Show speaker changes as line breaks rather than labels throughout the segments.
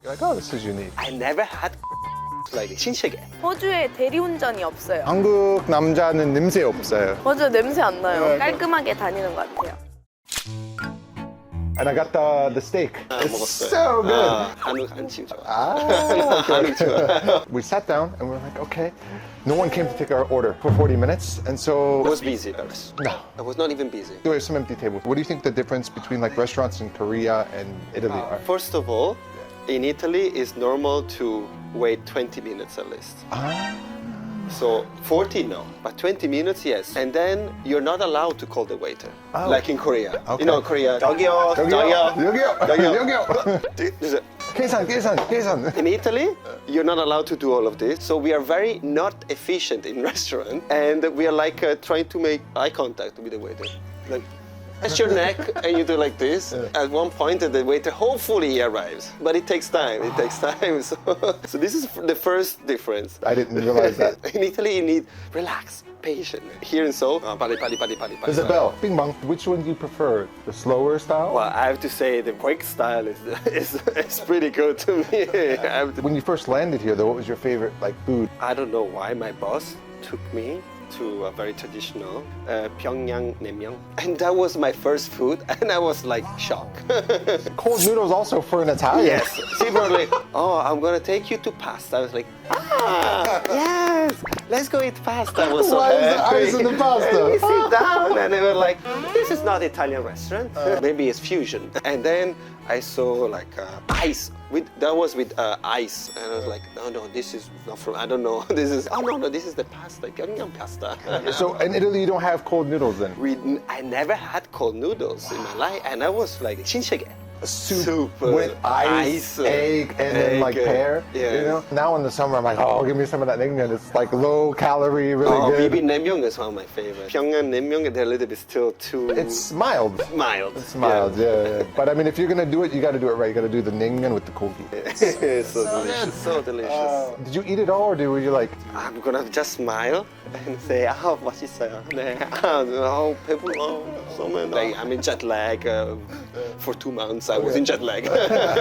You're like, oh, this is unique.
I never had like 신세계.
호주에 대리운전이 없어요.
한국 남자는 냄새 없어요.
맞아요, 냄새 안 나요. 깔끔하게 다니는 것 같아요.
And I got the steak. It's
먹었어요.
so good.
한국 안심 좋아.
Ah, okay. We sat down and we were like, okay. No one came to take our order for 40 minutes, and so
I was busy, Paris.
no.
I was not even busy.
There were some empty tables. What do you think the difference between like restaurants in Korea and Italy are?
First of all, in Italy, it's normal to wait 20 minutes at least. So 40, no, but 20 minutes, yes. And then you're not allowed to call the waiter, like in Korea.
Okay.
You know, Korea. 저기요, 저기요,
여기요.
저기요.
계산.
In Italy, you're not allowed to do all of this. So we are very not efficient in restaurant, and we are like trying to make eye contact with the waiter. Like, that's your neck, and you do like this. At one point, the waiter hopefully he arrives, but it takes time. It takes time. So this is the first difference.
I didn't realize that.
In Italy, you need relax, patient. Here in Seoul, pali.
There's a bell. Bing bong. Which one do you prefer? The slower style?
Well, I have to say the quick style is pretty good to me.
When you first landed here, though, what was your favorite like food?
I don't know why my boss took me to a very traditional Pyongyang naengmyeon, and that was my first food, and I was like shocked.
Cold noodles also for an Italian.
Yes, she was like, "Oh, I'm gonna take you to pasta." I was like, yes, let's go eat pasta. I was so
Why is the
happy.
ice in the pasta?
And we sit down, and they were like, "This is not Italian restaurant. Maybe it's fusion." And then I saw like ice. That was with ice, and I was like, no, this is not from. I don't know. This is this is the pasta, Pyongyang pasta.
So in Italy, you don't have cold noodles then?
I never had cold noodles in my life, and I was like 신세계.
Soup with ice, egg, and then like pear.
Yeah.
You know. Now in the summer, I'm like, oh, give me some of that naengmyeon. It's like low calorie, really
Oh,
good.
bibi naengmyeon is one of my favorites. Pyongyang naengmyeon, they're a little bit still too.
It's mild.
mild.
It's mild, yeah. But I mean, if you're gonna do it, you got to do it right. You got to do the naengmyeon with the kogi.
It's so delicious. So delicious.
Did you eat it all, or were you like?
I'm gonna just smile and say, 맛있어요. 네. 배불러. Like, I'm in jet lag. For 2 months, I was in jet lag.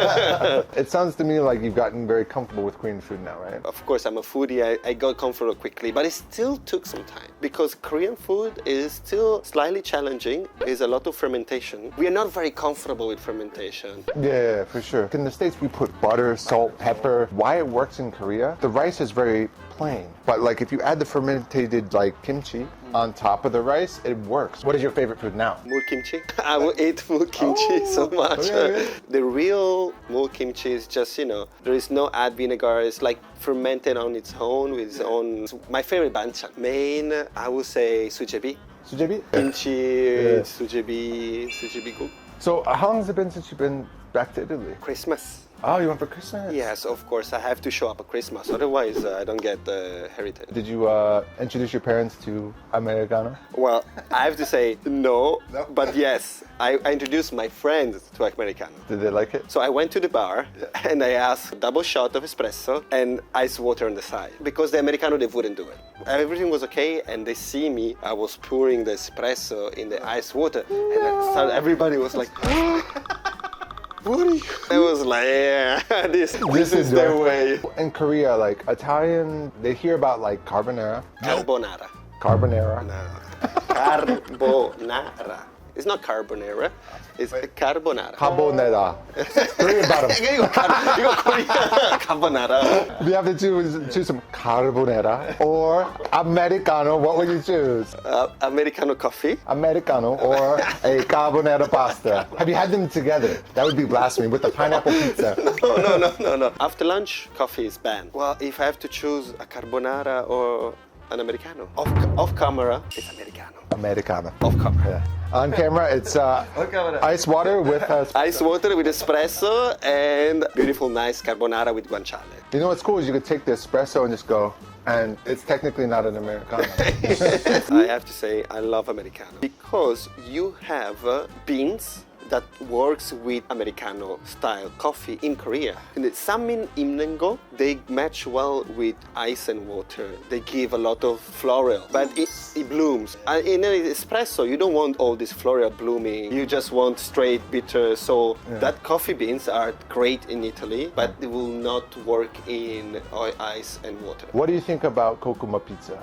It sounds to me like you've gotten very comfortable with Korean food now, right?
Of course, I'm a foodie. I got comfortable quickly, but it still took some time because Korean food is still slightly challenging. There's a lot of fermentation. We are not very comfortable with fermentation.
Yeah, for sure. In the States, we put butter, salt, pepper. Why it works in Korea? The rice is very plain. But like if you add the fermented like kimchi on top of the rice, it works. What is your favorite food now?
Mul kimchi. I will eat mul kimchi so much.
okay.
The real mul kimchi is just, there is no add vinegar. It's like fermented on its own with its own. My favorite banchan. Main, I would say sujebi.
Sujebi?
Kimchi, sujebi guk.
So how long has it been since you've been back to Italy?
Christmas.
Oh, you went for Christmas?
Yes, of course. I have to show up at Christmas. Otherwise, I don't get the heritage.
Did you introduce your parents to Americano?
Well, I have to say no, but yes. I introduced my friends to Americano.
Did they like it?
So I went to the bar and I asked a double shot of espresso and ice water on the side because the Americano, they wouldn't do it. Everything was okay and they see me. I was pouring the espresso in the ice water and everybody was like, what are you? I was like, yeah, this is their way.
In Korea, like Italian, they hear about like carbonara.
Carbonara.
Carbonara.
No. Carbonara. It's not carbonara. It's carbonara.
Carbonara. Korean bottom.
이거 코리아 carbonara.
You have to choose some carbonara or Americano. What would you choose?
Americano coffee.
Americano or a carbonara pasta. Have you had them together? That would be blasphemy with the pineapple pizza.
No. After lunch, coffee is banned. Well, if I have to choose a carbonara or an Americano, off camera, it's Americano.
Americano.
Off camera.
Yeah. On camera, it's ice water with
Ice water with espresso and beautiful, nice carbonara with guanciale.
You know what's cool is you could take the espresso and just go, and it's technically not an Americano.
I have to say, I love Americano because you have beans that works with Americano style coffee in Korea. And the Sammin Imnengo, they match well with ice and water. They give a lot of floral, but it blooms. In an espresso, you don't want all this floral blooming. You just want straight bitter. So that coffee beans are great in Italy, but they will not work in ice and water.
What do you think about Kokuma pizza?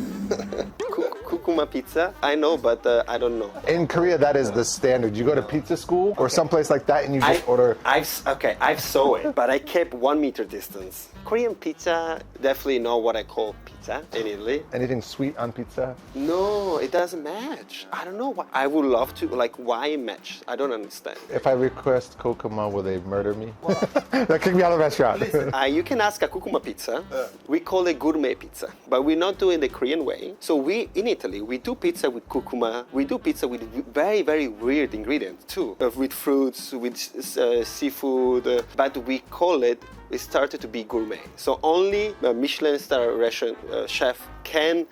Kukuma pizza, I know, but I don't know.
In Korea, that is the standard. You go to pizza school or someplace like that and you just order.
I saw it, but I kept 1 meter distance. Korean pizza, definitely not what I call pizza in Italy.
Anything sweet on pizza?
No, it doesn't match. I don't know why. I would love to, like, why match? I don't understand.
If I request Kokuma, will they murder me? They'll kick me out of the restaurant.
You can ask a Kukuma pizza. We call it gourmet pizza, but we're not doing the Korean way. So in Italy, we do pizza with Kukuma. We do pizza with very, very weird ingredients too, with fruits, with seafood, but we call it, it started to be gourmet. So only a Michelin star restaurant chef can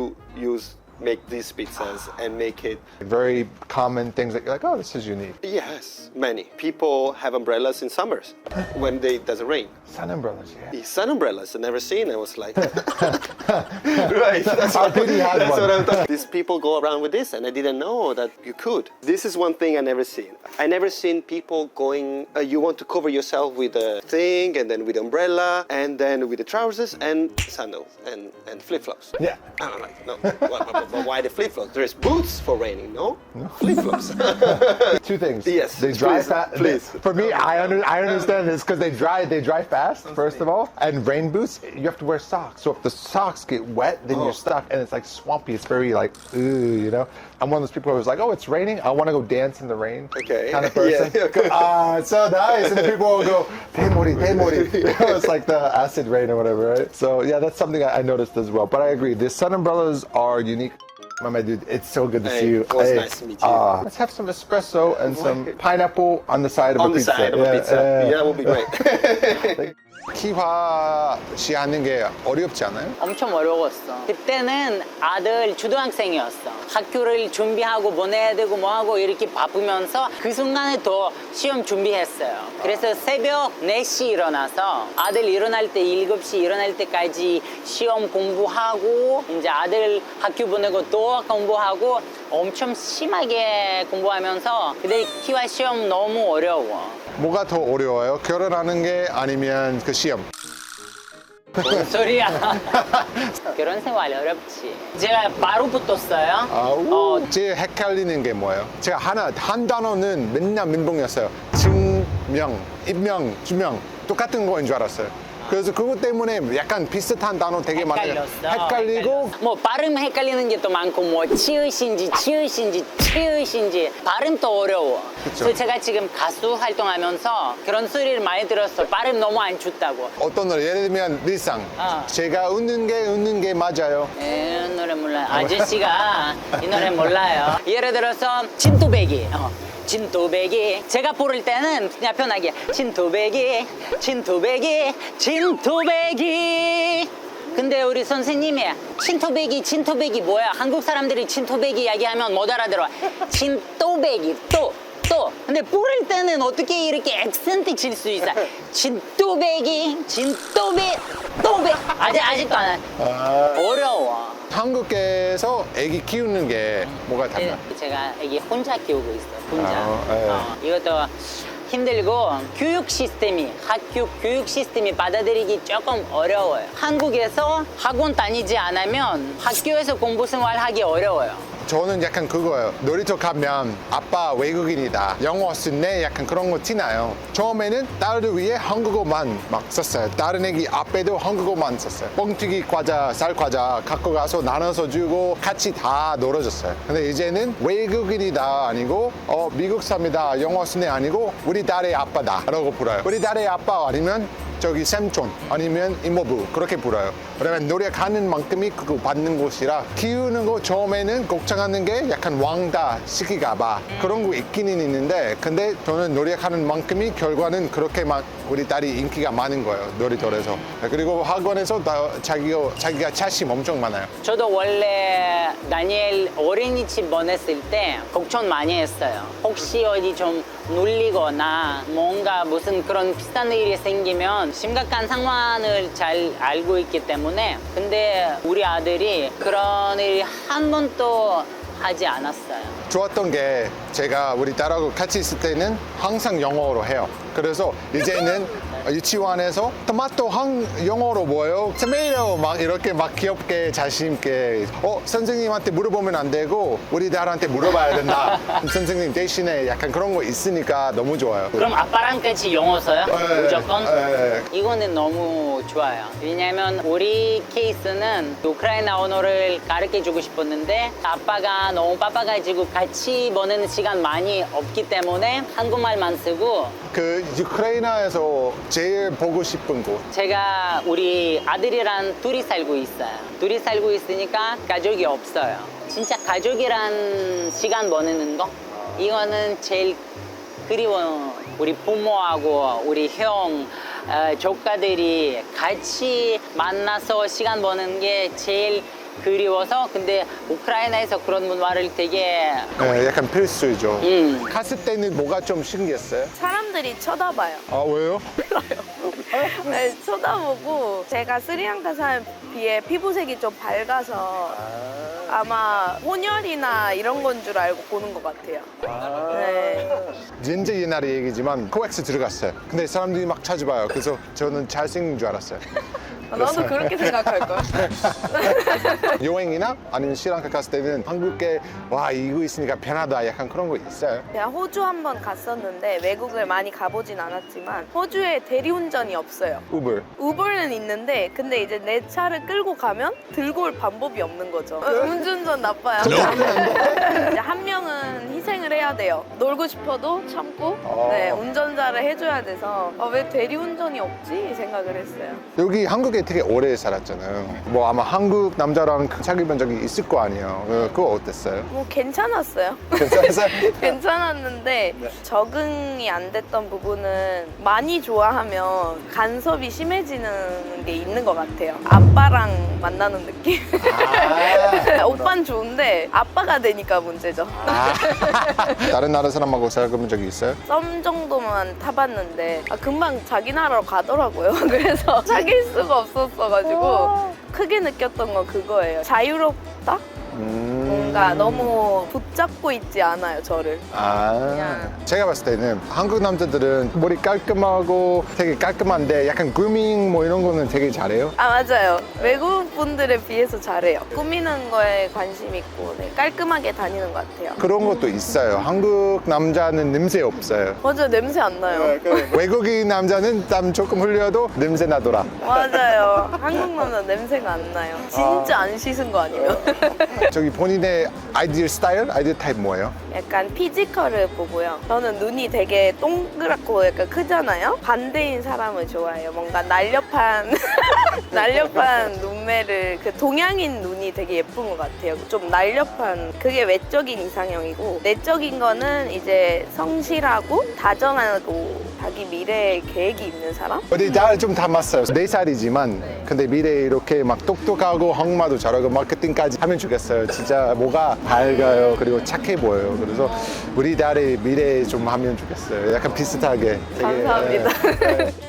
make these pizzas and make it.
Very common things that you're like, oh, this is unique.
Yes, many. People have umbrellas in summers when it doesn't rain.
Sun umbrellas, yeah.
The sun umbrellas I've never seen. I was like, right. That's
Our PD had one.
what I'm talking. These people go around with this, and I didn't know that you could. This is one thing I never seen. I never seen people going. You want to cover yourself with a thing, and then with umbrella, and then with the trousers and sandals and flip flops.
Yeah.
I'm like, no. But why the flip flops? There's boots for raining, no? Flip flops.
Two things.
Yes,
They dry
please,
fast.
please.
For me, I understand this because they dry fast, first of all. And rain boots, you have to wear socks. So if the socks get wet, then you're stuck and it's like swampy. It's very like, ooh, you know? I'm one of those people who was like, oh, it's raining. I want to go dance in the rain.
Okay.
Kind of person.
Yeah, okay.
It's so nice. And people will go, 대머리. It's like the acid rain or whatever, right? So yeah, that's something I noticed as well. But I agree. The sun umbrellas are unique. My dude, it's so good to see you.
It was nice to meet you.
Let's have some espresso and some pineapple on the side of
On
a
the
pizza.
side of a pizza. Yeah, that would be great.
키화시 하는 게 어렵지 않아요?
엄청 어려웠어. 그때는 아들 초등학생이었어. 학교를 준비하고 보내야 되고 뭐하고 이렇게 바쁘면서 그 순간에 또 시험 준비했어요. 그래서 새벽 4시 일어나서 아들 일어날 때 7시 일어날 때까지 시험 공부하고 이제 아들 학교 보내고 또 공부하고 엄청 심하게 공부하면서 근데 키와 시험 너무 어려워.
뭐가 더 어려워요? 결혼하는 게 아니면 그 시험?
뭔 소리야? 결혼 생활 어렵지. 제가 바로 붙었어요.
제일 헷갈리는 게 뭐예요? 제가 한 단어는 맨날 민봉이었어요. 증명, 입명, 주명 똑같은 거인 줄 알았어요. 그래서 그것 때문에 약간 비슷한 단어 되게 많아요. 헷갈리고
뭐 발음 헷갈리는 게 또 많고 뭐 치읓인지 발음도 어려워.
그쵸.
그래서 제가 지금 가수 활동하면서 그런 소리를 많이 들었어. 발음 너무 안 좋다고.
어떤 노래 예를 들면 리쌍 제가 웃는 게 맞아요.
이 노래 몰라요. 아저씨가 이 노래 몰라요. 예를 들어서 진또배기. 진또배기 제가 부를 때는 그냥 편하게 진또배기 근데 우리 선생님이 진토배기 뭐야 한국 사람들이 진토배기 이야기하면 못 알아들어 진또배기 또 근데 부를 때는 어떻게 이렇게 액센트 칠 수 있어 진또배기 아직도 안 해. 어려워.
한국에서 애기 키우는 게 뭐가 달라?
제가 애기 혼자 키우고 있어요. 혼자.
네.
이것도 힘들고 학교 교육 시스템이 받아들이기 조금 어려워요. 한국에서 학원 다니지 않으면 학교에서 공부 생활하기 어려워요.
저는 약간 그거예요. 놀이터 가면 아빠 외국인이다. 영어 쓰네. 약간 그런 거 티나요. 처음에는 딸을 위해 한국어만 막 썼어요. 다른 애기 앞에도 한국어만 썼어요. 뻥튀기 과자, 쌀 과자 갖고 가서 나눠서 주고 같이 다 놀아줬어요. 근데 이제는 외국인이다 아니고 미국 사람이다. 영어 쓰네 아니고 우리 딸의 아빠다 라고 불러요. 우리 딸의 아빠 아니면 저기 샘촌 아니면 이모부 그렇게 불어요. 왜냐면 노력하는 만큼이 그거 받는 곳이라 키우는 거 처음에는 걱정하는 게 약간 왕따 시킬까 봐 그런 거 있기는 있는데 근데 저는 노력하는 만큼이 결과는 그렇게 막 우리 딸이 인기가 많은 거예요, 놀이터에서. 그리고 학원에서 자기가 자신 엄청 많아요.
저도 원래 다니엘 어린이집 보냈을 때 걱정 많이 했어요. 혹시 어디 좀 눌리거나 뭔가 무슨 그런 비슷한 일이 생기면 심각한 상황을 잘 알고 있기 때문에. 근데 우리 아들이 그런 일이 한 번도 하지 않았어요.
좋았던 게 제가 우리 딸하고 같이 있을 때는 항상 영어로 해요. 그래서 이제는 유치원에서 토마토 영어로 뭐예요? 토마토 막 이렇게 막 귀엽게 자신 있게 선생님한테 물어보면 안 되고 우리 딸한테 물어봐야 된다. 선생님 대신에 약간 그런 거 있으니까 너무 좋아요.
그럼 아빠랑 같이 영어 써요?
네,
무조건?
네.
이거는 너무 좋아요. 왜냐면 우리 케이스는 우크라이나 언어를 가르쳐 주고 싶었는데 아빠가 너무 바빠가지고 같이 보내는 시간 많이 없기 때문에 한국말만 쓰고.
그 우크라이나에서 제일 보고 싶은 곳.
제가 우리 아들이랑 둘이 살고 있어요. 둘이 살고 있으니까 가족이 없어요. 진짜 가족이란 시간 보내는 거? 이거는 제일 그리워. 우리 부모하고 우리 형, 조카들이 같이 만나서 시간 보내는 게 제일 그리워서. 근데 우크라이나에서 그런 문화를 되게
약간 필수죠. 갔을 때는 뭐가 좀 신기했어요?
사람들이 쳐다봐요.
아, 왜요?
네, 쳐다보고 제가 스리랑카 사람에 비해 피부색이 좀 밝아서 아마 혼혈이나 이런 건 줄 알고 보는 것 같아요. 네.
진짜 옛날의 얘기지만 코엑스 들어갔어요. 근데 사람들이 막 찾아봐요. 그래서 저는 잘생긴 줄 알았어요.
나도 그렇게 생각할 거야.
여행이나 아니면 스리랑카 갔을 때는 한국에 와 이거 있으니까 편하다 약간 그런 거 있어요?
제가 호주 한 번 갔었는데 외국을 많이 가보진 않았지만 호주에 대리운전이 없어요.
우버.
우버는 있는데 근데 이제 내 차를 끌고 가면 들고 올 방법이 없는 거죠. 음주운전 나빠요. 이제 한 명은 희생을 해야 돼요. 놀고 싶어도 참고 네, 운전자를 해줘야 돼서 왜 대리운전이 없지? 이 생각을 했어요.
여기 한국에 되게 오래 살았잖아요. 뭐 아마 한국 남자랑 사귀어 본 적이 있을 거 아니에요. 그거 어땠어요?
뭐 괜찮았어요.
괜찮았어요?
괜찮았는데 적응이 안 됐던 부분은 많이 좋아하면 간섭이 심해지는 게 있는 것 같아요. 아빠랑 만나는 느낌? 오빠는 좋은데 아빠가 되니까 문제죠.
다른 나라 사람하고 사귀어 본 적이 있어요?
썸 정도만 타봤는데 금방 자기 나라로 가더라고요. 그래서 사귈 수가 없었어가지고 크게 느꼈던 건 그거예요. 자유롭다? 뭔가 너무 붙잡고 있지 않아요, 저를. 그냥.
제가 봤을 때는 한국 남자들은 머리 깔끔하고 되게 깔끔한데 약간 그루밍 뭐 이런 거는 되게 잘해요.
맞아요. 외국 분들에 비해서 잘해요. 꾸미는 거에 관심 있고 깔끔하게 다니는 것 같아요.
그런 것도 있어요. 한국 남자는 냄새 없어요.
맞아요. 냄새 안 나요.
외국인 남자는 땀 조금 흘려도 냄새 나더라.
맞아요. 한국 남자 냄새가 안 나요. 진짜 안 씻은 거 아니면.
저기 본인의 아이디어 스타일, 아이디어 타입 뭐예요?
약간 피지컬을 보고요. 저는 눈이 되게 동그랗고 약간 크잖아요. 반대인 사람을 좋아해요. 뭔가 날렵한 날렵한 눈매를 그 동양인 눈이 되게 예쁜 것 같아요. 좀 날렵한 그게 외적인 이상형이고 내적인 거는 이제 성실하고 다정하고 자기 미래에 계획이 있는 사람?
우리 날 좀 닮았어요. 4살이지만 근데 미래에 이렇게 막 똑똑하고 한국말도 잘하고 마케팅까지 하면 좋겠어요. 진짜 뭐가 밝아요. 그리고 착해 보여요. 그래서 우리 딸의 미래에 좀 하면 좋겠어요. 약간 비슷하게. 되게,
감사합니다.